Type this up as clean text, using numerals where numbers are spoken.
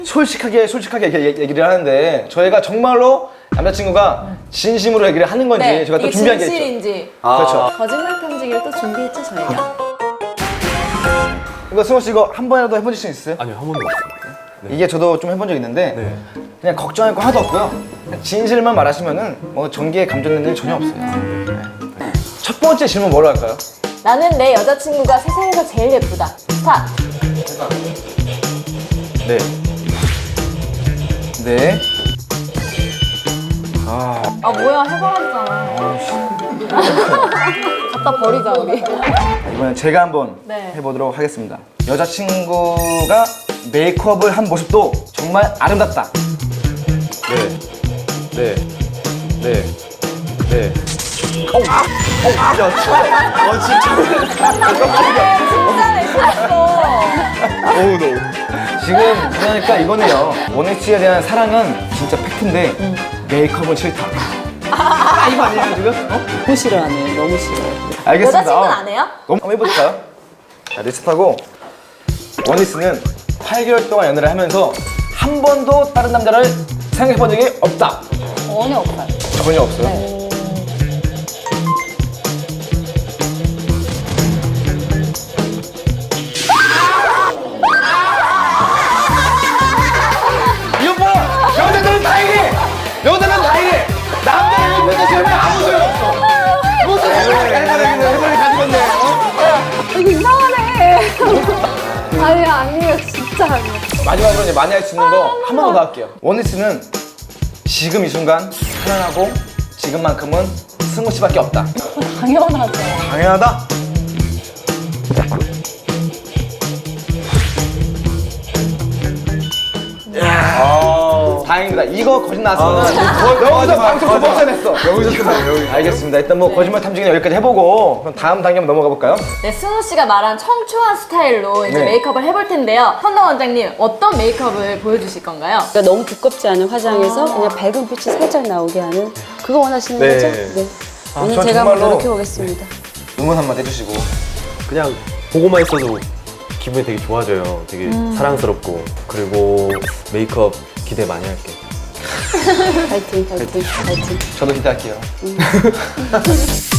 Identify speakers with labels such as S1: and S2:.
S1: 솔직하게 얘기를 하는데 저희가 정말로 남자친구가 진심으로 얘기를 하는 건지
S2: 네,
S1: 제가 또
S2: 이게
S1: 준비한 게 있죠.
S2: 진실인지.
S1: 그렇죠.
S2: 거짓말 탐지기를 또 준비했죠 저희가.
S1: 이거 승호 씨 이거 한 번이라도 해보실 수 있어요?
S3: 아니요, 한 번도 없어요. 네.
S1: 이게 저도 좀 해본 적 있는데
S3: 네.
S1: 그냥 걱정할 거 하나도 없고요. 그냥 진실만 말하시면은 뭐 전기에 감전되는 일 전혀 없어요. 네. 첫 번째 질문 뭐로 할까요?
S2: 나는 내 여자친구가 세상에서 제일 예쁘다. 스타트.
S1: 네. 네.
S2: 아 뭐야 해버렸잖아. 갖다 버리자 우리.
S1: 이번엔 제가 한번
S2: 네.
S1: 해보도록 하겠습니다. 여자친구가 메이크업을 한 모습도 정말 아름답다.
S3: 네. 네. 네. 네.
S2: 진짜네 진짜.
S3: 어우, 너.
S1: 지금 그러니까 이거는요. 원혜씨에 대한 사랑은 진짜 팩트인데 메이크업은 싫다. 이거 아니에요 지금?
S4: 너무 싫어하네. 너무 싫어요.
S1: 알겠습니다.
S2: 여자친구는 안 해요?
S1: 한번 해볼까요? 자, 리스트하고 원희씨는 8개월 동안 연애를 하면서 한 번도 다른 남자를 생각해본 적이 없다.
S2: 전혀 없어요.
S1: 전혀 없어요.
S2: 네.
S1: 이거 봐! 여자들은 다 이래! 여자는 다 이래! 남자를 옆에서 세우면 아무 소용 없어! 무슨 해버리 가지겠네!
S2: 이거 이상하네. 아니야 아니에요 진짜 아니에요.
S1: 마지막으로 이제 많이 할 수 있는 거 한 번 더 할게요. 원희씨는 지금 이 순간 사랑하고 지금만큼은 승우 씨밖에 없다.
S2: 당연하죠.
S1: 당연하다? 다행입니다. 이거 거짓 나왔으면 여기서 방송 두 번째 냈어.
S3: 여기서 끝나요, 여기.
S1: 알겠습니다. 일단 뭐 거짓말 탐지기는 여기까지 해보고 그럼 다음 단계 한번 넘어가 볼까요?
S2: 네, 승우 씨가 말한 청초한 스타일로 이제
S1: 네.
S2: 메이크업을 해볼 텐데요. 현동 원장님 어떤 메이크업을 보여주실 건가요?
S4: 그러니까 너무 두껍지 않은 화장에서 그냥 밝은 빛이 살짝 나오게 하는 그거 원하시는
S3: 네.
S4: 거죠? 네. 오늘
S1: 전
S4: 제가 한번
S1: 정말로-
S4: 노력해 보겠습니다.
S1: 응원 한번 해주시고.
S3: 그냥 보고만 있어도 기분이 되게 좋아져요. 되게 사랑스럽고. 그리고 메이크업 기대 많이 할게요.
S4: 파이팅, 파이팅, 파이팅.
S1: 저도 기대할게요.